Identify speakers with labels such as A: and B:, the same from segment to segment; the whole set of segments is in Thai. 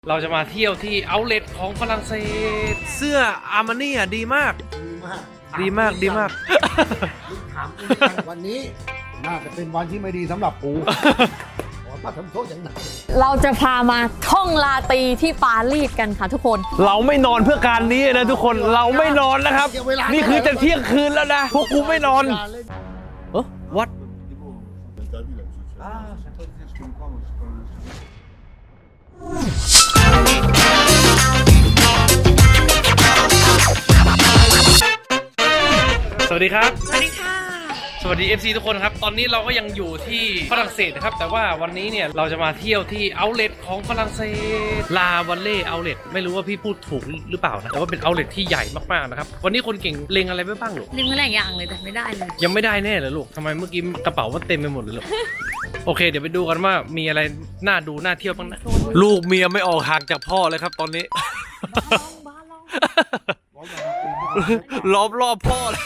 A: เราจะมาเที่ยวที่เอาท์เลทของฝรั่งเศสเสื้ออาร์มานี่อ่ะดีมากดีมาก
B: ถามวันนี้น่าจะเป็นวันที่ไม่ดีสำหรับกูขอมาทำโทษอย่างหนัก
C: เราจะพามาท่องลาตรีที่ปารีสกันค่ะทุกคน
A: เราไม่นอนเพื่อการนี้นะทุกคนเราไม่นอนนะครับนี่คือจะเที่ยงคืนแล้วนะพวกกูไม่นอนวัดสวัสดีครับ
C: สวัสดีค่ะ
A: สวัสดี FC ทุกคนครับตอนนี้เราก็ยังอยู่ที่ฝรั่งเศสนะครับแต่ว่าวันนี้เนี่ยเราจะมาเที่ยวที่เอาท์เลทของฝรั่งเศสลาวัลเล่เอาท์เลทไม่รู้ว่าพี่พูดถูกหรือเปล่านะแต่ว่าเป็นเอาท์เลทที่ใหญ่มากๆนะครับวันนี้คนเก่งเล็งอะไรไว้บ้างลูก
C: เล็งหลายอย่างเลยแต่ไม่ได้เลย
A: ยังไม่ได้แน่เลยลูกทำไมเมื่อกี้กระเป๋ามันเต็มไปหมดเลยลูก โอเคเดี๋ยวไปดูกันว่ามีอะไรน่าดูน่าเที่ยวบ้างนะลูกเมียไม่ออกห่างจากพ่อเลยครับตอนนี้ล้อมรอบพ่อเลย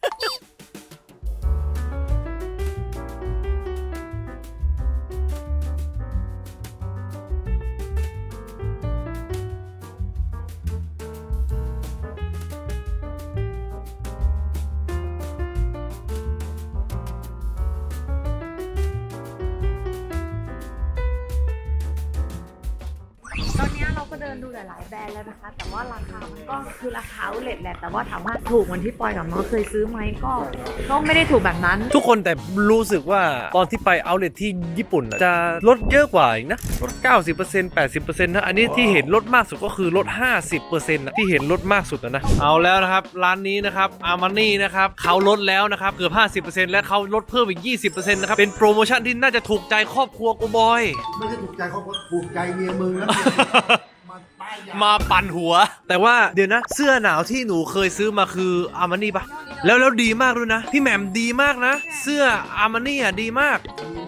C: ตอนนี้เราก็เดินดูหลายๆแบรนด์แล้วนะคะแต่ว่าราคามันก็คือราคาเอาท์เลทแหละแต่ว่าถามว่าถูกเหมือนที่ปอยกับน้องเคยซื้อไหมก็ไม่ได้ถูกแบบนั้น
A: ทุกคนแต่รู้สึกว่าตอนที่ไปเอาท์เลทที่ญี่ปุ่นจะลดเยอะกว่าอีกนะลด 90% 80% นะอันนี้ที่เห็นลดมากสุดก็คือลด 50% นะที่เห็นลดมากสุดนะเอาแล้วนะครับร้านนี้นะครับอาร์มานี่นะครับเขาลดแล้วนะครับเกือบ 50% และเขาลดเพิ่มอีก 20% นะครับเป็นโปรโมชั่นที่น่าจะถูกใจครอบครัวกูบอย
B: ไม่ใช่ถูกใจเขาถูกใจเมียมึงนะ
A: มาปั่นหัวแต่ว่าเดี๋ยวนะเสื้อหนาวที่หนูเคยซื้อมาคืออาร์มานี่ปะแล้วดีมากด้วยนะพี่แหม่มดีมากนะเสื้ออาร์มานี่อ่ะดีมาก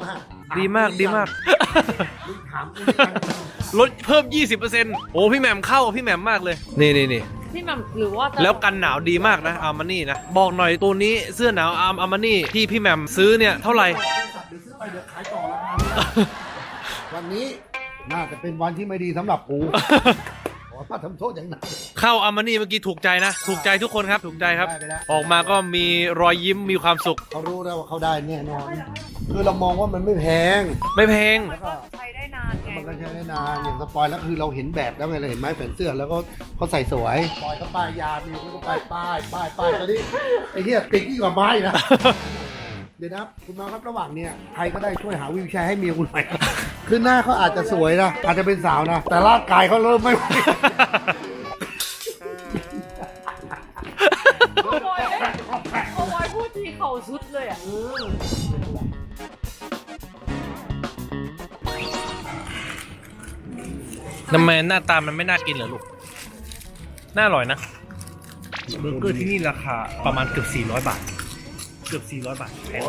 A: ลดเพิ่ม 20% โอ้พี่แหม่มเข้าพี่แหม่มมากเลยนี่
C: ที่แบบหรือว่า
A: แล้วกันหนาวดีมากนะอาร์มานี่นะบอกหน่อยตัวนี้เสื้อหนาวอาร์มานี่ที่พี่แหม่มซื้อเนี่ยเท่าไหร่
B: เดี๋ยวซื้อไปเดี๋ยวขายต่อแล้ววันนี้น่าจะเป็นวันที่ไม่ดีสำหรับกูขอมาทำโทษอย่างหนัก
A: เข้าอาร์มานี่เมื่อกี้ถูกใจนะถูกใจทุกคนครับถูกใจครับออกมาก็มีรอยยิ้มมีความสุข
B: เขารู้แล้วว่าเขาได้แน่นอนคือเรามองว่ามันไม่แพง
C: แล้วก็ใช้ได้นานไง
B: มันก็ใช้ได้นานอย่างสปอยแล้วคือเราเห็นแบบแล้วไงเราเห็นไม้แขวนเสื้อแล้วก็เขาใส่สวยปอยเขาป้ายยามีเขาป้ายตอนนี้ไอ้เหี้ยติดยิ่งกว่าไม้นะเดี๋ยวนะคุณน้องครับระหว่างเนี้ยใครก็ได้ช่วยหาวิวแชร์ให้เมียคุณหน่อยคือหน้าเขาอาจจะสวยนะอาจจะเป็นสาวนะแต่ร่างกายเขาเริ่มไม่ไหว
C: เอาไว้พูดทีเข่าสุดเลยอ่ะ
A: ทำไมหน้าตามันไม่น่ากินเหรอลูกน่าอร่อยนะเบอร์เกอร์ที่นี่ราคาประมาณเกือบ400 บาทเกือบ400 บาทแพง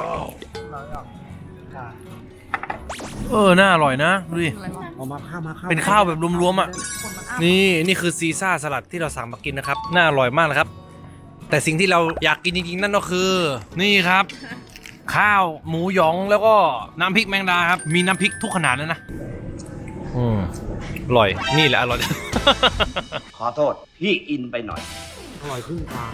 A: น่าอร่อยนะดูดิ
B: เอามาข้าว
A: เป็นข้าวแบบรวมๆอ่ะนี่คือซีซ่าสลัดที่เราสั่งมากินนะครับน่าอร่อยมากเลยครับแต่สิ่งที่เราอยากกินจริงๆนั่นก็คือนี่ครับข้าวหมูหยองแล้วก็น้ำพริกแมงดาครับมีน้ำพริกทุกขนาดเลยนะอร่อยนี่แหละอร่อย
D: ขอโทษพี่อินไปหน่อย
B: อร่อยขึ้นตา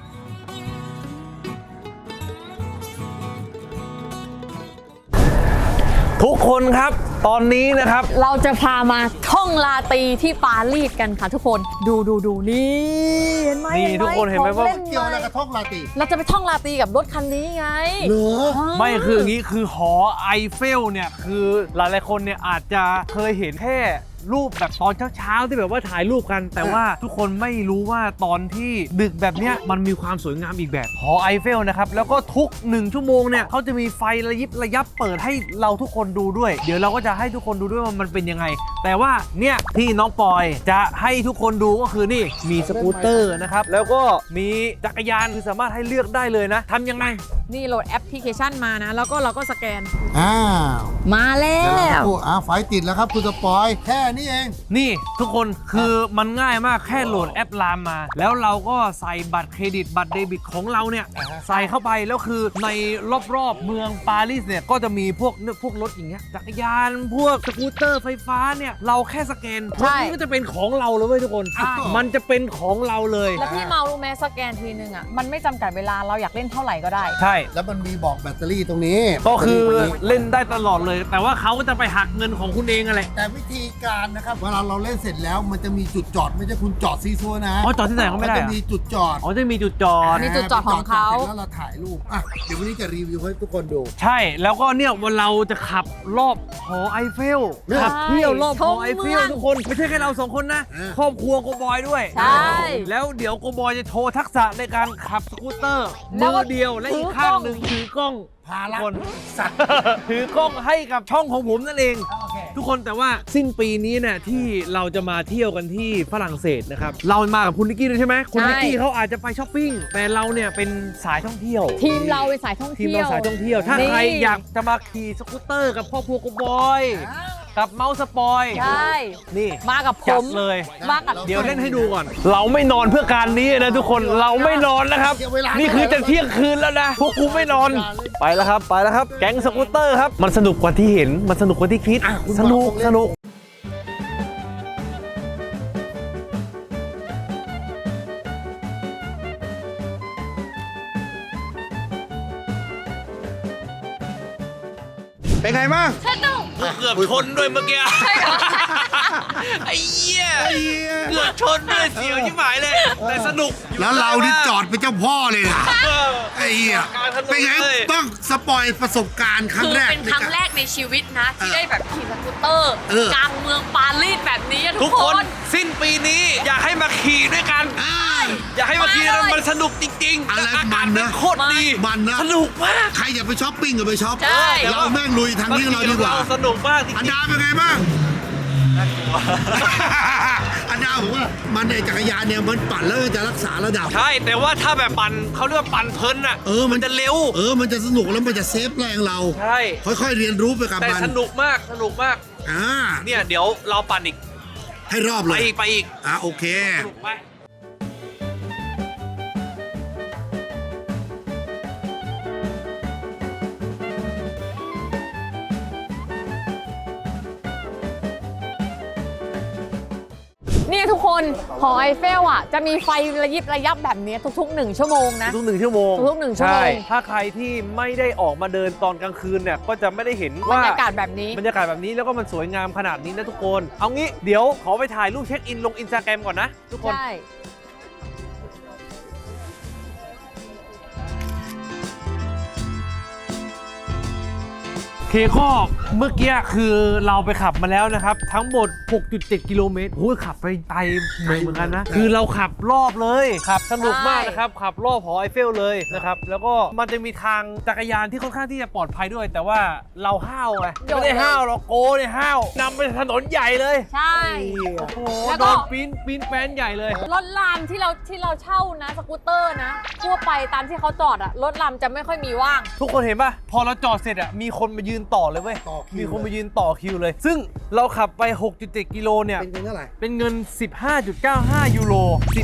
A: ทุกคนครับตอนนี้นะครับ
C: เราจะพามาท่องลาตรีที่ปารีสกันค่ะทุกคนดูนี่เห็นไหม
A: นี่ทุกคนเห็นไหมว่า
B: เกี่ยวอะไรกับท่องลาตรี
C: เราจะไปท่องลาตรีกับรถคันนี้ไง
B: เหรอ
A: ไม่คืออย่างนี้คือหอไอเฟลเนี่ยคือหลายๆคนเนี่ยอาจจะเคยเห็นแค่รูปแบบตอนเช้าที่แบบว่าถ่ายรูปกันแต่ว่าทุกคนไม่รู้ว่าตอนที่ดึกแบบเนี้ยมันมีความสวยงามอีกแบบหอไอเฟลนะครับแล้วก็ทุก1 ชั่วโมงเนี่ยเขาจะมีไฟระยิบระยับเปิดให้เราทุกคนดูด้วยเดี๋ยวเราก็จะให้ทุกคนดูด้วยว่ามันเป็นยังไงแต่ว่าเนี่ยที่น้องปอยจะให้ทุกคนดูก็คือนี่มีสกูตเตอร์นะครับแล้วก็มีจักรยานคือสามารถให้เลือกได้เลยนะทำยังไง
C: นี่โหลดแอปพลิเคชันมานะ แล้วก็เราก็สแกน
B: อ้าว
C: มาแล้
B: เดี๋ยวเรา
C: ว
B: พูดไฟติดแล้วครับคุณสปอยแค่นี้เอง
A: นี่ทุกคนคือมันง่ายมากแค่โหลดแอปลามมา แล้วเราก็ใส่บัตรเครดิตบัตรเดบิตของเราเนี่ย
B: อ่าฮะ
A: ใส่เข้าไปแล้วคือในรอบๆเมืองปารีสเนี่ยก็จะมีพวกรถอย่างเงี้ยจักรยานพวกสกูตเตอร์ไฟฟ้าเนี่ยเราแค่สแกนพวกนี้ก็จะเป็นของเราเลยเว้ยทุกคน
C: ใช่
A: มันจะเป็นของเราเลย
C: แล้วพี่เมารู้ไหมสแกนทีนึงอ่ะมันไม่จำกัดเวลาเราอยากเล่นเท่าไหร่ก็ได้
A: ใช่
B: แล้วมันมีบอกแบตเตอรี่ตรงนี้
A: ก็คือ
B: แบตตอรี่
A: เล่นได้ตลอดเลย แต่ว่าเขาก็จะไปหักเงินของคุณเองอะไร
B: แต่วิธีการนะครับเวลาเราเล่นเสร็จแล้วมันจะมีจุดจอดไม่ใช่คุณจอดซีซัวนะ
A: อ๋อจอดที่ไหนก็ไม่ได้
B: น
A: เหร
B: จะ
A: อ
B: มีจุดจอด
A: อ๋อจะมีจุดจอด
C: มีจุดจอดของเขา
B: สร็จแล้วเราถ่ายรูปอ่ะเดี๋ยววันนี้จะรีวิวให้ทุกคนดู
A: ใช่แล้วก็เนี่ยวันเราจะขับรอบหอไอเฟลขับเที่ยวรอบหอไอเฟลทุกคนไม่ใช่แค่เราสองคนนะ ครอบครัวโกบอยด้วย
C: ใช่
A: แล้วเดี๋ยวโกบอยจะโชว์ทักษะในการขับสกูตเตอร์
C: แล้
A: มื
C: วก็
A: อเดียวและอีกข้างหนึ่งถือกล้อง
B: ภาระ
A: คน
B: สัตว์
A: ถือกล้องให้กับช่องของผมนั่นเอง
B: โอเค
A: ทุกคนแต่ว่าสิ้นปีนี้เนี่ยที่เราจะมาเที่ยวกันที่ฝรั่งเศสนะครับเรามากับคุณนิกกี้ด้วยใช่ไหมคุณนิกกี้เขาอาจจะไปช้อปปิ้งแต่เราเนี่ยเป็นสายท่องเที่ยว
C: ทีมเราเป็นสายท่อง
A: ทีม
C: เที่ยว
A: เราสายท่องเที่ยว ถ้า
C: นี่
A: ใครอยากจะมาขี่สกูตเตอร์กับพ่อครัวโกบอย กับเมาส์สปอย
C: ใช่
A: นี่
C: มากับผ
A: จัด
C: ม
A: เลย
C: มากับ
A: เดี๋ยวเล่นให้ดูก่อน เราไม่นอนเพื่อการนี้นะทุกคนเราไม่นอนนะครับ
B: เสียเวลา
A: นี่คือจะเที่ยงคืนแล้วนะ พวกกูไม่นอน ไปแล้วครับ ไปแล้วครับ แก๊งสกูตเตอร์ครับ มันสนุกกว่าที่เห็น มันสนุกกว่าที่คิด
B: อ่ะคุณ
A: สนุก
B: บอกเลย
A: สนุก
B: เป็นไงบ้าง
A: เกือบชนด้วยเมื่อกี้ ไอ้เหี้ย เกือบชนด้วยเสียวชิบหายเลย แต่สนุกอยู่
B: แล้วเรานี่
A: มก
B: จอดเป็นเจ้าพ่อเลยนะ
A: เออ
B: ไอ้เหี้ย
A: การถนน
B: เป็นไง
A: เลย
B: ต้องสปอยประสบการณ์ครั้
E: คื
B: ง
E: อ
B: แรก
E: เป็นครั้งแรกในชีวิตนะ ที่
B: เออ
E: ได้แบบขี่สกูตเตอร์
B: เออ
E: กลางเมืองปารีสแบบนี้อะ
A: ทุ
E: ทุ
A: ก
E: ก
A: ค
E: คน น
A: สิ้นปีนี้อยากให้มาขี่ด้วยกัน
B: อ่า
A: อยากให้มาขี่กัน
E: มาเลย
A: มันสนุกจริงๆ
B: อะไร
A: และอากาศ
B: มัน
A: มั
B: นะ
A: นโคตรดี
B: มันนะ
A: สนุกมาก
B: ใครอยากไปช้อปปิ้งก็ไปช้อป
E: ใช่
B: เราแม่งลุยทางนี้เราดีกว่า
A: สนุกมากจริง
B: อันดาเป็นไงบ้าง อันดาผมว่ามันในจักรยานเนี่ยมันปั่นแล้วมันจะรักษาระดับ
A: ใช่แต่ว่าถ้าแบบปั่นเขาเรียกว่าปั่นเพลินอ่ะ
B: มัน
A: จะเร็ว
B: มันจะสนุกแล้วมันจะเซฟแรงเรา
A: ใช่
B: ค่อยๆเรียนรู้ไปกับ
A: แต่
B: มัน
A: สนุกมากสนุกมาก
B: อ่า
A: เนี่ยเดี๋ยวเราปั่นอีก
B: ให้รอบ
A: ไป
B: เลย
A: อีกไปอีก
B: โอเค
A: สนุกไป
C: นี่ทุกคนหอไอเฟลอ่ะจะมีไฟระยิบระยับแบบนี้ทุกๆ1 ชั่วโมงนะ
A: ทุก1 ชั่วโมง
C: ทุกๆ1 ชั่วโมง
A: ใถ้าใครที่ไม่ได้ออกมาเดินตอนกลางคืนเนี่ยก็จะไม่ได้เห็น
C: บร
A: ว่าร
C: ยากาศแบบนี้
A: บรรยากาศแบบนี้แล้วก็มันสวยงามขนาดนี้นะทุกคน เอางี้เดี๋ยวขอไปถ่ายรูปเช็คอินลงอินสตาแกรมก่อนนะทุกคน
C: ใช่
A: เคก็เมื่อกี้คือเราไปขับมาแล้วนะครับ ทั้งหมด 6.7 กิโลเมตรโอ้ยขับไปไกลเหมือนกันนะ คือเราขับรอบเลยขับสนุกมากนะครับ ขับรอบหอไอเฟลเลยนะครับ แล้วก็มันจะมีทางจักรยานที่ค่อนข้างที่จะปลอดภัยด้วย แต่ว่าเราห้าวไงไม่ได้ห้าวเราโกเนี่ยห้าวนำไปถนนใหญ่เลย
C: ใช่
A: โอ้โห
C: แล้ว
A: โด
C: ก็
A: นปีนแป้นใหญ่เลย
C: รถรามที่เราเช่านะสกูตเตอร์นะทั่วไปตามที่เขาจอดอะรถรามจะไม่ค่อยมีว่าง
A: ทุกคนเห็นป่ะ พอเราจอดเสร็จอ่ะมีคนมายืนต่อเลยเว้ย
B: ต่อคิว
A: มีคนมายืนต่อคิวเลย ซึ่งเราขับไป 6.7 กิโลเนี่ย
B: เป็นเงินเท่าไหร่
A: เป็นเงิน 15.95 ยูโร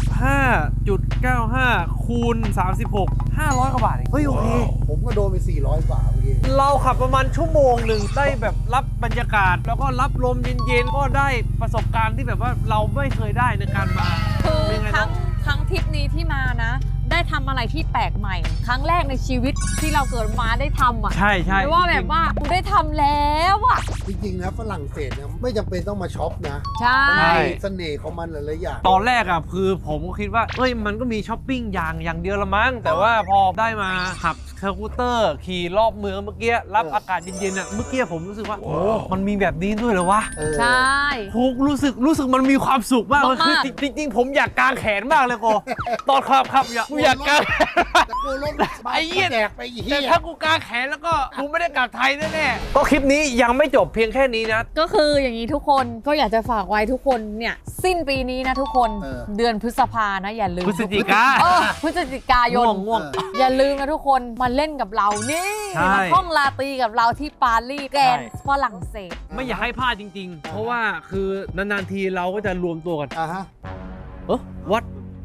A: 15.95 คูณ 36 500 กว่าบาทเองเฮ้ย โอเค
B: ผมก็โดนไป400 กว่าเมื่อกี้
A: เราขับประมาณชั่วโมงหนึ่งได้แบบรับบรรยากาศ แล้วก็รับลมเย็นๆ ก็ได้ประสบการณ์ที่แบบว่าเราไม่เคยได้ในการมา
C: คือ
A: เป็นไง
C: ค
A: น้
C: รั้
A: อง
C: งครั้งทริปนี้ที่มานะ ได้ทำอะไรที่แปลกใหม่ ครั้งแรกในชีวิตที่เราเกิดมาได้ทำอ่ะ
A: ใช่ใช่
C: ไม่ว่าแบบว่ากูได้ทำแล้วอ่ะ
B: จริงๆนะฝรั่งเศสเนี่ยไม่จำเป็นต้องมาช็อปนะ
C: ใช่
B: มันมีเสน่ห์ของมันหลายๆอย่าง
A: ตอนแรกอ่ะคือผมก็คิดว่าเอ้ยมันก็มีช้อปปิ้งอย่างเดียวละมั้งแต่ว่าพอได้มาขับสกูตเตอร์ขี่รอบเมืองเมื่อกี้รับอากาศเย็นๆอ่ะเมื่อกี้ผมรู้สึกว่าโอ้มันมีแบบนี้ด้วยเหรอวะ
C: ใช่
A: ผมรู้สึกมันมีความสุขมากเลยคือ
C: มาก
A: จริงๆ ผมอยากกางแขนมากเลยโกตอนขับอยากกาง
B: แต่กูรถ
A: ไอ้เหี้ย
B: แจกไปอี
A: แต่
B: เหี้ย
A: ถ้ากูกางแขนแล้วก็กูไม่ได้กลับไทยแน่ๆก็คลิปนี้ยังไม่จบเพียงแค่นี้นะ
C: ก็คืออย่างนี้ทุกคนก็อยากจะฝากไว้ทุกคนเนี่ยสิ้นปีนี้นะทุกคนเดือนพฤษภานะอย่าลืม
A: พฤศจิกา
C: พฤศจิกายน
A: ง่วง
C: อย่าลืมนะทุกคนมาเล่นกับเรานี่
A: ใช่
C: มาท่องลาตรีกับเราที่ปารีสแกรนด์ฝรั่งเศส
A: ไม่อยากให้พลาดจริง ๆ เพราะว่าคือนานๆทีเราก็จะรวมตัวกัน
B: อ่าฮะ
A: วัด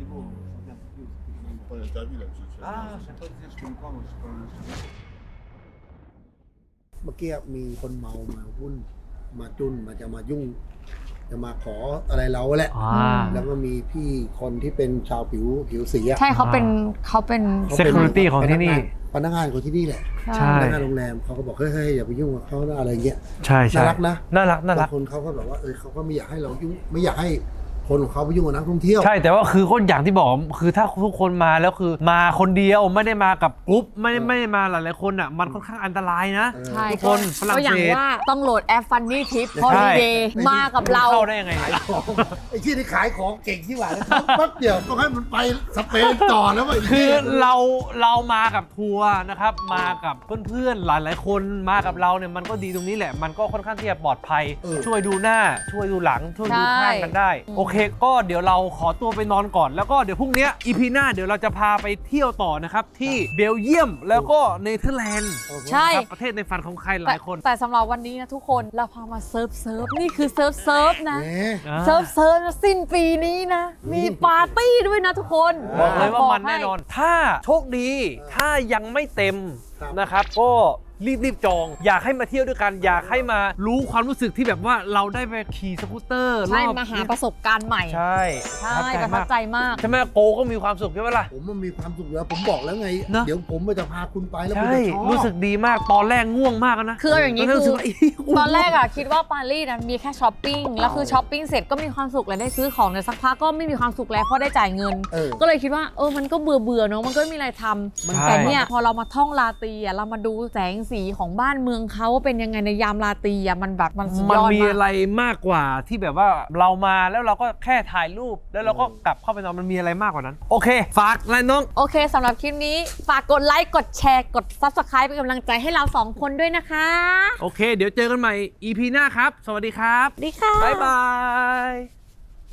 B: เมื่อกี้มีคนเมามาวุ่นมาจุนมาจะมายุ่ง จะมาขออะไรเราแหละ แล้วก็มีพี่คนที่เป็นชาวผิวสีอะ
C: ใช่เขาเป็น
B: เขาเป็น
A: Security ของที่นี่
B: พนักงานของที่นี่แหละ
A: ใช่
B: พนักงานโรงแรมเขาก็บอกเฮ้ยอย่าไปยุ่งกับเขานะอะไรเงี้ย
A: ใช่ใช่
B: น่ารักนะ
A: น่ารัก
B: บางคนเขาก็แบบว่าเขาก็ไม่อยากให้เรายุ่งไม่อยากให้คนของเขาไปยุ่งกับนักท่องเที่ยว
A: ใช่แต่ว่าคือก็อย่างที่บอกคือถ้าทุกคนมาแล้วคือมาคนเดียวไม่ได้มากับกรุ๊ปไม่ได้มาหลายๆคนอ่ะมันค่อนข้างอันตรายนะ
C: ใช่
A: ทุกคนฝรั่ง
C: ก็อย่าง
A: เศส
C: ว่าต้องโหลดแอป Funny Trip Holiday มากับเรา
A: เข้าได้ยังไง
B: ไอ้ที่นี่ขายของเก่งที่หว่าแล้วแป๊บเดียวต้องให้มันไปสเปนต่อแล้วว่า
A: คือเรามากับทัวร์นะครับมากับเพื่อนๆหลายๆคนมากับเราเนี่ยมันก็ดีตรงนี้แหละมันก็ค่อนข้างที่จะปลอดภัย ช่วยดูหน้าช่วยดูหลังช่วยดูข้างกันได้ โอเคก็เดี๋ยวเราขอตัวไปนอนก่อนแล้วก็เดี๋ยวพรุ่งนี้อีพีหน้าเดี๋ยวเราจะพาไปเที่ยวต่อนะครับที่เบลเยียมแล้วก็เนเธอร์แลนด์
C: ใช่
A: นะครับประเทศในฝันของใครหลายคน
C: แต่สำหรับวันนี้นะทุกคนเราพามาเซิร์ฟนี่คือเซิร์ฟนะ
B: แหม
C: เซิร์ฟนะสิ้นปีนี้นะ มีปาร์ตี้ด้วยนะทุกคน
A: บอกเลยว่ามัน
C: ให้
A: แน่นอน ถ้าโชคดีถ้ายังไม่เต็ม
B: ครับ
A: นะครับก็รีบจอง อยากให้มาเที่ยวด้วยกัน อยากให้มารู้ความรู้สึกที่แบบว่าเราได้ไปขี่สกูตเตอร์
C: ใช่
A: รอบ
C: มาหาประสบการณ์ใหม่
A: ใช่
C: ใช่ประทับใจมาก
A: ใช่ไหมโกก็มีความสุขใช่ไหมล่ะ
B: ผมมันมีความสุขแล้วผมบอกแล้วไง
A: เนอะ
B: เดี๋ยวผมจะพาคุณไปแล้วคุณ
A: ใช่
B: จะชอบ
A: รู้สึกดีมากตอนแรกง่วงมากนะ
C: คือเอาอย่างนี้
A: นี้
C: คือ
A: รู้สึกว่า
C: ตอนแรกอะคิดว่าปารีสมีแค่ช้อปปิ้งแล้วคือช้อปปิ้งเสร็จก็มีความสุขแล้วได้ซื้อของในสักพักก็ไม่มีความสุขแล้วเพราะได้จ่ายเงิน ก็เลยคิดว่ามันก็เบื่อเนาะมันก็ไม่มีอะไรทำแต่เนี่ยพอเรามาท่องลาตรีอะเรามาดูแสงสีของบ้านเมืองเขาว่าเป็นยังไงในยามลาตรีอะมันแบบมันสุด
A: มัน
C: ยอด
A: มี
C: มา
A: อะไรมากกว่าที่แบบว่าเรามาแล้วเราก็แค่ถ่ายรูปแล้วเราก็กลับเข้าไปนอนมันมีอะไรมากกว่านั้น โอเค ฝากอะไรน้อง
C: โอเคสำหรับคลิปนี้ฝากกดไลค์กดแชร์กด Subscribe เป็นกำลังใจให้เรา2คนด้วยนะคะ
A: โอเค เดี๋ยวเจอกันใหม่ EP หน้าครับ สวัสดีครับ
C: ดีค่ะ
A: บ๊ายบาย